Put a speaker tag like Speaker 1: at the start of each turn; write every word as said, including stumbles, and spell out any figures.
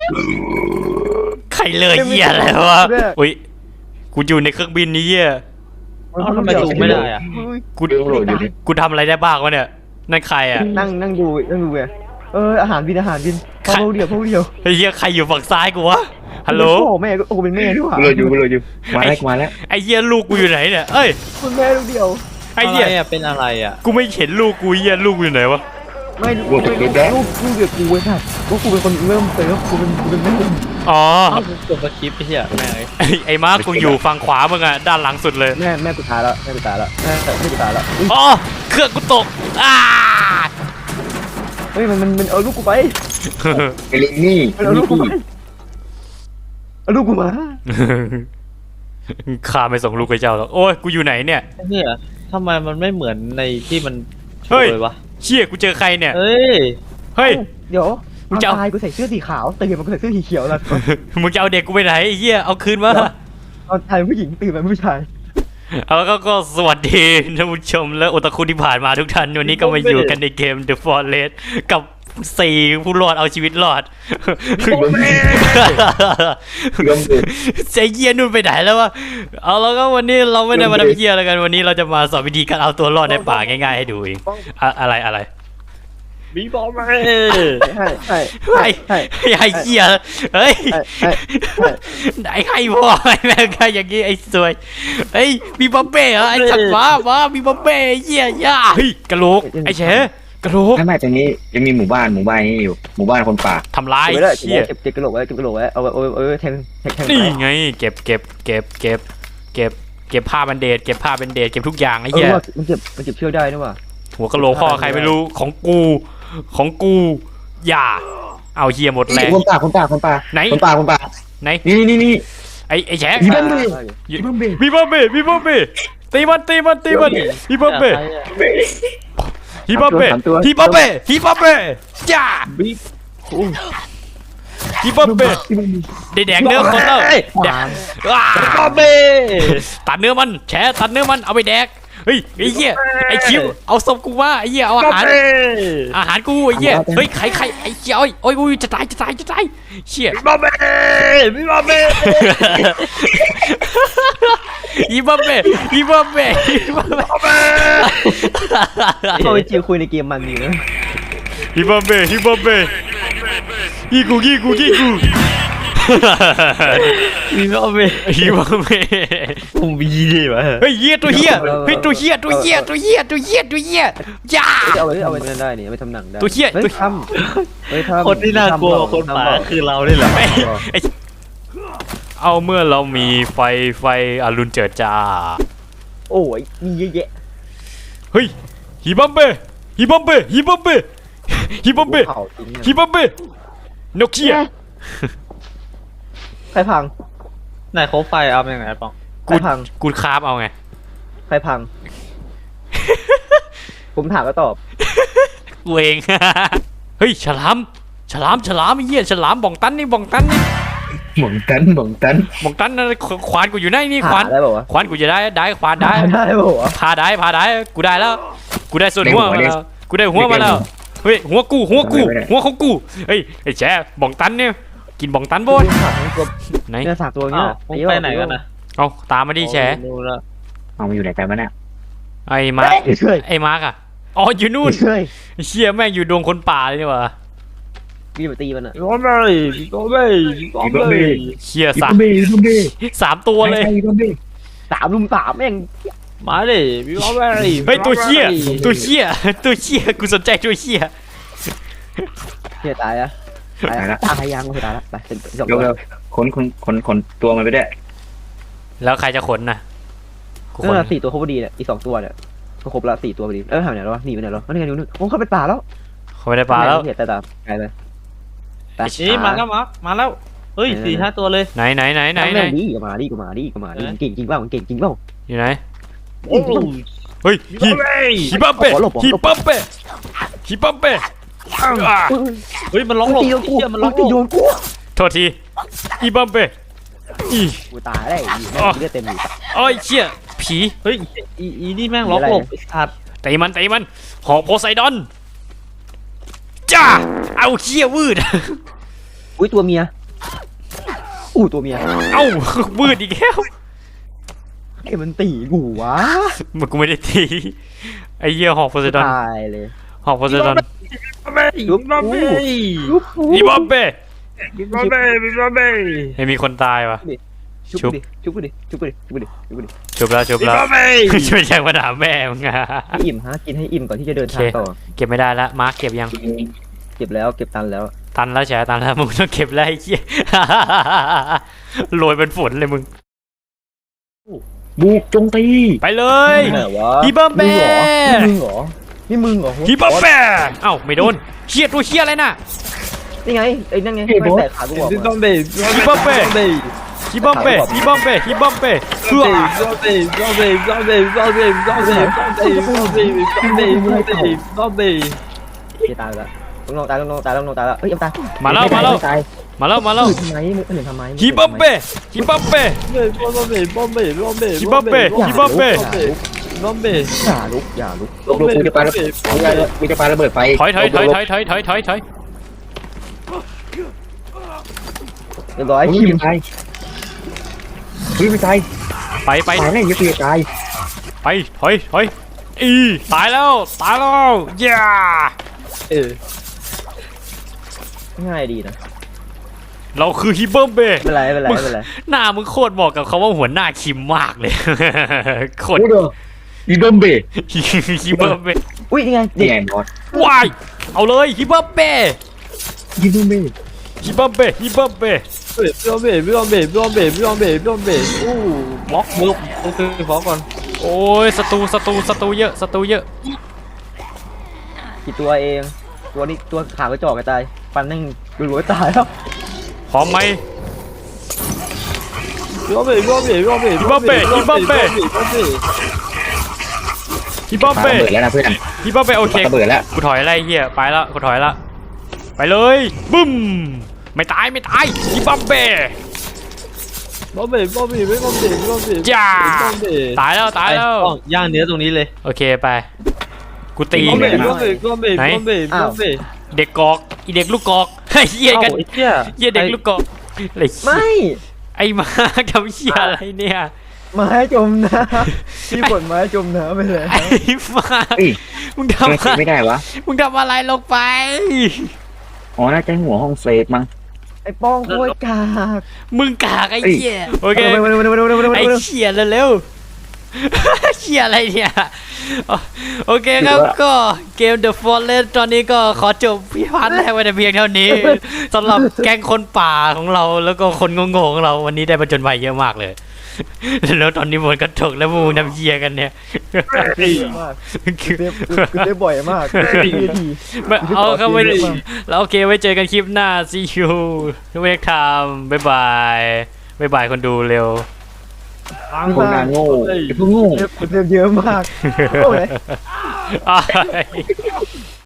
Speaker 1: ใครเลยเหี้ยอะไรวะอุ้ยกูอยู่ในเครื่องบินนี้เหี้ย
Speaker 2: ทำไมดูไม่ได้อะ
Speaker 1: กูกูทำอะไรได้บ้างวะเนี่ยนั่นใครอ่ะ
Speaker 3: นั่งนั่งดูนั่งดูไงเอออาหารบินอาหารบินพวกเดียวพวกเดียว
Speaker 1: ไอ้เหี้ยใครอยู่ฝั่งซ้ายกูวะฮัลโหล
Speaker 3: โอ้แม่โอ้เป็นแม่ด้วยว่ะ
Speaker 4: กูเลยอยู่กูเลยอยู่มาแล้วมาแล้ว
Speaker 1: ไอ้เหี้ยลูกกูอยู่ไหนเนี่ยเอ้ย
Speaker 3: คุณแม่ลูกเดียว
Speaker 1: ไอ้เหี้ย
Speaker 2: อะไรอะเป็นอะไรอะ
Speaker 1: กูไม่เห็นลูกกูเหี้ยลูกกูอยู่ไหนวะ
Speaker 3: ไม่ลูกลูกลูกเดียวกูเว้ยค่ะว่ากูเป็นคนเริ่มเติมกูเป็นกูเป็นแม่
Speaker 1: อ๋อ
Speaker 2: จบสคริปต์ไอ้เหี้ยแม่งเลย
Speaker 1: ไอ้ไอ้มาร์คกูอยู่ฝั่งขวามึงอ่ะด้านหลังสุดเลย
Speaker 3: แม่แม่กูตายแล้วแม่กูตายแล้วแม่แม่กูตายแล้ว
Speaker 1: อ๋อเครื่องกูตกอ้า
Speaker 3: เฮ้ยมันมันมันเอาลูกกูไป
Speaker 4: ไอ้ลิงนี่
Speaker 3: มันเอาลูกกูไปเอาลูกกูมา
Speaker 1: ข้าไม่ส่งลูกให้เจ้าหรอกโอ้ยกูอยู่ไหนเนี่ย
Speaker 2: ไอ้เหี้ยทำไมมันไม่เหมือนในที่มันโช
Speaker 1: เฮ้ย
Speaker 2: ว์เลยวะ
Speaker 1: เชี่ยกูเจอใครเนี่ย
Speaker 2: เฮ้ย
Speaker 1: เฮ้ย
Speaker 3: เดี๋ยว
Speaker 1: มึงจะเอา
Speaker 3: ตายกูใส่เสื้อสีขาวตื่นมากูใส่เสื้อสีเขียวแล้ว
Speaker 1: มึงจะเอาเด็กกูไปไหนไอ้เหี้ยเอาคืนมา
Speaker 3: ตอนชายผู้หญิงตื่นมาผู้ชาย
Speaker 1: เอาแล้วก็ก็สวัสดีท่านผู้ชมและโอตาคุที่ผ่านมาทุกท่านวันนี้ก็มาอยู่กันในเกม The Forest กับสี่ผู้รอดเอาชีวิตรอด
Speaker 4: เริ่มเลย
Speaker 1: ใจเยี่ยนุ่นไปไหนแล้ววะเอาแล้วก็วันนี้เราไม่ได้มาทำเยี่ยอะไรกันวันนี้เราจะมาสอนวิธีการเอาตัวรอดในป่าง่ายๆให้ดูเองอะอะไรอะไร
Speaker 2: บีบอลมา
Speaker 3: ใช่ใช่
Speaker 1: ไอ้
Speaker 3: ใช่
Speaker 1: ไอ้เหี้ยเฮ้ย
Speaker 3: ใช่ใช่
Speaker 1: ไหนใครพ่อไอ้แม่งใครอย่างงี้ไอ้สวยเฮ้ยมีบัมเบ้เหรอไอ้สัตว์ฟ้ามามีบัมเบ้เหี้ยย่าเฮ้ยกระโหลกไอ้เฉกระโหลก
Speaker 4: ไม่ไม่ตรงนี้ยังมีหมู่บ้านหมู่บ้านนี้อยู่หมู่บ้านคนป่า
Speaker 1: ทำร้าย
Speaker 3: เก็บไว้เลย
Speaker 1: เหี้ย
Speaker 3: เก็บเก็บกระโหลกไว้เก็บกระโหลกไว้เอาไว้เอาไว้เอาไว้แทงแทงแทง
Speaker 1: นี่ไงเก็บเก็บเก็บเก็บเก็บเก็บผ้าบันเดดเก็บผ้าบันเดดเก็บทุกอย่างไอ้
Speaker 3: เอ
Speaker 1: เหี้
Speaker 3: อย มันเก็บมันเก็บเชือกได้ด้วยว่ะ
Speaker 1: หัวกะโหลกพ่อใครไม่รู้ของกูของกูอย่าเอาเหี้ยหมดแรง
Speaker 4: คนป่าคนป่าคนป่า
Speaker 1: ไหน
Speaker 4: คนป่าคนป่า
Speaker 1: ไหน
Speaker 4: นี่นี่นี่
Speaker 1: ไอ้ไอ้แฉ
Speaker 4: มีบัมเบ้มีบัมเบ้
Speaker 1: มีบัมเบ้มีบัมเบ้ตีมันตีมันตีมันมีบัมเบ้ฮิบัมเบ้ฮิบัมเบ้ฮิบัมเบ้จ้า
Speaker 2: บีบ
Speaker 1: ฮิบัมเบ้ได้แดกเนื้อคนแล้วแดกว้า
Speaker 2: บอลเบ้
Speaker 1: ตัดเนื้อมันแฉตัดเนื้อมันเอาไปแดกเฮ้ยไอ้เหี้ยไอ้คิวเอาศพกูมาไอ้เหี้ยเอาอาหารอาหารกูไอ้เหี้ยเฮ้ยไข่ไข่ไอ้เหี้ยโอ้ยโอ้ยอุ้ยจะตายจะตายจะตายเชี่ย
Speaker 2: บีบอลเบ้บีบอลเบ้
Speaker 1: ฮิบัมเบ้ฮิบัมเบ้ฮิบัมเบ้
Speaker 3: ก็ไปจิวคุยในเกมมันดีนะ
Speaker 1: ฮิบัมเบ้ฮิบัมเบ้ยี่กูยี่กูยี่กู
Speaker 2: บีบอลเบ้
Speaker 1: ฮิบัมเบ้
Speaker 2: ผมบีดีวะ
Speaker 1: เฮ้ยเหี้ยตัวเหี้ยเฮ้ยตัวเหี้ยตัวเหี้ยตัวเหี้ยตัวเหี้ยตัวเหี้ยจ้า
Speaker 3: เอาไว้เอาไว้นั่นได้นี่เอาไว้ทำหนังได้
Speaker 1: ตัวเหี้ย
Speaker 3: เฮ้ย
Speaker 1: ตัว
Speaker 3: ทำเฮ้ยทำ
Speaker 2: คนที่น่ากลัวกว่าคนป่าคือเราได้เหรอ
Speaker 1: ไอ้ไอ้เอาเมื่อเรามีไฟไฟอรุณเจิดจ้า
Speaker 3: โอ้ยมีเยอะแยะ
Speaker 1: เฮ้ยฮิบัมเบ้ฮิบัมเบ้ฮิบัมเบ้ฮิบัมเบ้
Speaker 3: เผาจริงเนี่ย
Speaker 1: ฮิบัมเบ้นกเขี้ย
Speaker 3: ใครพัง
Speaker 2: ไหนโคบไฟเอาอย่างไรปอง
Speaker 3: ใครพัง
Speaker 1: กูคราฟเอาไง
Speaker 3: ใครพัง ผมถามก็ตอบ
Speaker 1: กูเอง เฮ้ยฉลามฉลามฉลามไอ้เหี้ยฉลามบ่องตันนี่บ่องตันนี่
Speaker 4: หม่องตันหม่องตัน
Speaker 1: บ่องตันนะขวานกูอยู่ไหนนี่ขวาน
Speaker 3: หาได้ป่าวะ
Speaker 1: ขวานกูจะได้ได้ขวานได้
Speaker 3: ได้ป่าวะ
Speaker 1: พาได้พาได้กูได้แล้ว กูได้ส่วนหัวมาแล้วกูได้หัวมาแล้วเฮ้ยหัวกูหัวกูหัวของกูเฮ้ยไอ้แฉบ่องตันเนี่ยกินบ่องตันโบน
Speaker 3: ถามตัว
Speaker 1: ไหน
Speaker 3: เนี่ยสามตัว
Speaker 2: อ้า
Speaker 3: เนี้
Speaker 2: วย ผมไปไหนกันนะ
Speaker 1: เอาตามมาดิแฉ
Speaker 2: ดูแล้ว
Speaker 4: เอามาอยู่ไหนกันวะเนี่ย
Speaker 1: ไอ้มาร์ค
Speaker 3: เฮ้ย
Speaker 1: ไอ้มาร์คอะอ๋ออยู่นู่น
Speaker 3: เฮ้ย
Speaker 1: ไอ้เชี่ยแม่งอยู่ดงคนป่าเลยนี่หว่า
Speaker 3: มีมาตีมันอ่ะ
Speaker 2: บีบอลเบ้บีบอลเบ้บีบอลเบ้
Speaker 1: เชี่ย
Speaker 4: มี
Speaker 1: สา
Speaker 4: บั
Speaker 1: ม
Speaker 4: มเบ้มีบัมเบ้
Speaker 1: สามตัวเลย
Speaker 4: มีบัมเบ้
Speaker 3: สามลุมสามแม่ง
Speaker 2: มาดิบีบอลเบ้
Speaker 1: เฮ้ยตัวเชี่ยตัวเชี่ยตัวเชี่ยกูสนใจตัวเชี่ย
Speaker 3: เฮียตายอะตายละตายยังไม่ตายละไปเป็นสอง
Speaker 4: เร็ว
Speaker 3: ตัว
Speaker 4: เร็วขนขนขนขนตัวมันไปได้
Speaker 1: แล้วใครจะขนน่ะกูข
Speaker 3: นั่
Speaker 1: น
Speaker 3: นแหละสี่ตัวครบพอดีเนี่ยอีกสองตัวเนี่ยก็ครบละสี่ตัวพอดีเออหายไปไหนแล้ววะหนีไปไหนแล้วนี่ไงนู่นโอ้เข้าไปป่าแล้ว
Speaker 1: เขาไม่ได้ปลาแล้ว
Speaker 3: เฮียตายตายตายไปไป
Speaker 2: นี่มาแล้วมามาแล้วเฮ้ยสี่ห้าตัวเลย
Speaker 1: ไหนไหนไหนไหนไหน
Speaker 3: แม่งดีก็มาดีก็มาดีก็มาดีเก่งจริงเปล่าเก่งจริงเปล่า
Speaker 1: อยู่ไหน
Speaker 2: โอ้โห
Speaker 1: เฮ้ยฮิฮิบัมเป้ฮิบัมเป้ฮิบัมเป้อ่า
Speaker 2: เฮ้ยมันร้องหลบ
Speaker 3: ตีโดนกู
Speaker 2: เชี่ยมันร้องหล
Speaker 3: ตี
Speaker 2: บ
Speaker 3: โดนกู
Speaker 1: โทษทีฮิบัมเป้อี
Speaker 3: กูตายได้อีแม่งเลือดเต็มอยู่
Speaker 1: โอ้ยเชี่ยผี
Speaker 2: เฮ้ยอีอีนี่แม่งร้องหลบไอ้สัตว์
Speaker 1: ตีมันตีมันหอกโพไซดอนจ้าเอาเชี่ยวืด
Speaker 3: อุ้ยตัวเมียอู้ตัวเมีย
Speaker 1: เอ้ามืดอีกแล้ว
Speaker 3: ไอ้มันตีกูวะ
Speaker 1: มันกูไม่ได้ตีไอ้เหี้ยหอกโพไซดอน
Speaker 3: ตายเลย
Speaker 1: หอกโพไซดอน
Speaker 3: ยุบกูยุบกู
Speaker 1: อีบอมเบ้
Speaker 2: บิ๊กบอมเบ้บิ๊กบอมเบ้
Speaker 1: ไม่มีคนตายวะ
Speaker 3: ชุบดิชุบกูดิชุบกูดิชุบกูดิชุบกูดิ
Speaker 1: จบแล้วจบ
Speaker 2: บิ๊ก
Speaker 1: แล้ว
Speaker 2: บอมเบ้
Speaker 1: ช่วยแจ้งมาถามแม่มึงอะ
Speaker 3: ให้อิ่มฮะกินให้อิ่มก่อนที่จะเดินทางต่อ
Speaker 1: เก็บไม่ได้ละมาร์คเก็บยัง
Speaker 3: เก็บแล้วเก็บตันแล้ว
Speaker 1: ตันแล้วแฉตันแล้วมึงต้องเก็บแล้วไอ้เหี้ย โรยเป็นฝนเลยมึง
Speaker 4: บุกจงตี
Speaker 1: ไปเลย
Speaker 3: ไหนวะ
Speaker 1: ฮีเบอร์แบ
Speaker 3: มึงเหรอนี่มึงเหรอ
Speaker 1: ฮีเบอร์แบเอ้าไม่โดนเชี่ยตัวเชี่ยอะไรน่ะ
Speaker 3: นี่ไงไอ้นั่นไงไม่แตกขากูบอก
Speaker 2: บิ๊กบอ
Speaker 3: มาม
Speaker 2: เบ้บิ๊กบอมเบ้
Speaker 1: ฮีเบอร์แบฮีเบอร์แบฮีเบอร์แบเพื่อ
Speaker 2: บิ๊กบอมเบ้บิ๊กบอมเบ้บิ๊กบอมเบ้บิ๊กบอมเบ้บิ๊กบอมเบ้บิ๊กบอมเบ้บิ๊กบอมเบ้บิ๊กบอมเบ้บิ๊กบอมเบ้บิ๊กบอมเบ้
Speaker 3: จะตายแล้วลงนองตายลงนองตายลงนองตายแล้วเอ้ยยังตาย
Speaker 1: มาแล้วมาแล้ว
Speaker 3: ตาย
Speaker 1: มาแล้วมาแล้ว
Speaker 3: ทำไมมึงเห็นทำไม
Speaker 1: ฮีเบอร์แบฮีเบอร์แบ
Speaker 2: บิ๊กบอมเบ้บิ๊กบอมเบ้บิ๊กบอมเบ้
Speaker 1: ฮีเบอร์แบฮีเบอร์แบ
Speaker 2: บิ๊กบอมเบ้
Speaker 3: อย่าลุกอย่าลุก
Speaker 4: ลบลบกูจะปาระเบิดกูจะปาระเบิดไฟ
Speaker 1: ถอยถอยถอยถอยถอยถอยถอยถอย
Speaker 3: เรียบร้อย
Speaker 4: เฮ้ย
Speaker 3: คิม
Speaker 4: ไม่ตายเฮ้ยไม่ตาย
Speaker 1: ไปไป
Speaker 4: ตายแล้วยังไม่ตาย
Speaker 1: ไปถอยถอยอีตายแล้วตายแล้วย่า
Speaker 2: เออ
Speaker 3: ง่ายดีนะ
Speaker 1: เราคือฮีเบอร์แบ
Speaker 3: ไม่เป็นไรไม่เป็นไรไม่เป็นไร
Speaker 1: หน้ามึงโคตรเหมาะกับคำว่าหัวหน้าคิมมากเลย โคตร
Speaker 4: โอ้โหอีดมเบ
Speaker 1: ฮิเบอร์เบ้
Speaker 3: อุ้ยนี่ไงเด็
Speaker 4: นี่
Speaker 3: ก
Speaker 4: ไงบอส
Speaker 1: วายเอาเลยฮิเบอร์เบ้
Speaker 4: อีดมเบ
Speaker 1: ฮิเบอร์เบ้ฮิเบอร์เบ้
Speaker 2: บิ๊กบอมเบ้บิ๊กบอมเบ้บิ๊กบอมเบ้บิ๊กบอมเบ้บิ๊กบอมเบ้อู้บล็อกบล็อกโอเคขอก่อน
Speaker 1: โอ้ยศัตรูศัตรูศัตรูเยอะศัตรูเยอะ
Speaker 3: กี่ตัวเอง ตัวนี้ตัวขากระจอกกระจายฟันนั่งรวยๆตายแล้ว
Speaker 1: พร้อมไหม
Speaker 2: บิ๊กบอมเบ้บิ๊กบอมเบ้บิ๊กบอมเบ้
Speaker 1: บิ๊กบอมเบ้บิ๊กบอมเบ้
Speaker 2: บิ๊กบอมเบ้
Speaker 1: ฮิเบอร์
Speaker 4: ปา
Speaker 1: เบ้
Speaker 4: ระเบิดแล้วนะเพื่อน
Speaker 1: ฮิเบอร์เบ้โอเค
Speaker 4: ระเบิดแล้ว
Speaker 1: กูถอยไล่เหี้ยไปแล้วกูถอยละไปเลยบึ้มไม่ตายไม่ตายฮิเบอร์เบ้
Speaker 2: บอมเบ้บอมเบ้บิ๊กบอมเบ้บิ๊กบอมเบ้
Speaker 1: จ้า
Speaker 2: บิ๊กบอมเบ้
Speaker 1: ตายแล้วตายแล้ว
Speaker 2: ต้องย่างเนื้อตรงนี้เลย
Speaker 1: โอเคไปกูตี
Speaker 2: บิ๊กบอม
Speaker 1: เล
Speaker 2: เบ้
Speaker 1: ย
Speaker 2: บิ๊กบอมเบ้บิ๊กบอมเบ้บิ๊กบอมเบ้บิ๊กบอมเบ้
Speaker 1: เด็กกอกอีเด็กลูกกอกเฮ้ยเหี้ยกัน
Speaker 2: เอ้าไอ้เหี้ย
Speaker 1: เหี้ยเด็กลูกกอกอะไรเหี้ย
Speaker 3: ไม่
Speaker 1: ไอ้มาทำเหี้ยอะไรเนี่ย
Speaker 3: ไม้จมน้ำพี่บดไม้จมน้ำไปเลย
Speaker 1: ไอ้มา
Speaker 4: เฮ้ย
Speaker 1: มึง
Speaker 4: ทำไม
Speaker 1: ทำอะไร
Speaker 4: ไม่ได้วะ
Speaker 1: มึงทำอะไรลงไป
Speaker 4: อ๋อน่าจะหัวห้องเซฟมั้ง
Speaker 3: ไอ้ป้องโคตรกาก
Speaker 1: มึงกากไอ้เหี้ยโอเค
Speaker 3: เร็วเร็วเร็วเร็วเร็วเร็ว
Speaker 1: ไอ้
Speaker 3: เร็ว
Speaker 1: เหี้ยเร็วๆ เหี้ยอะไรเนี่ยโอเคครับก็เกม The Forest ตอนนี้ก็ขอจบพิพาทแรกไว้แต่เพียงเท่านี้สำหรับแก๊งคนป่าของเราแล้วก็คนโง่ๆของเราวันนี้ได้ประจนภัยเยอะมากเลย แล้วตอนนี้ฝนก็ตกแล้วพวกมึงทำเหี้ยกันเนี่ย
Speaker 3: มากคือคือได้บ่อยมากทีที
Speaker 1: ไม่เอาเข้าไว้แล้วโอเคไว้เจอกันคลิปหน้า see you next time บ๊ายบายบ๊ายบายคนดูเร็ว
Speaker 4: คนงานโง่ไอ้พวกโง่
Speaker 3: เยอะมากโอ้ย
Speaker 1: อ้าย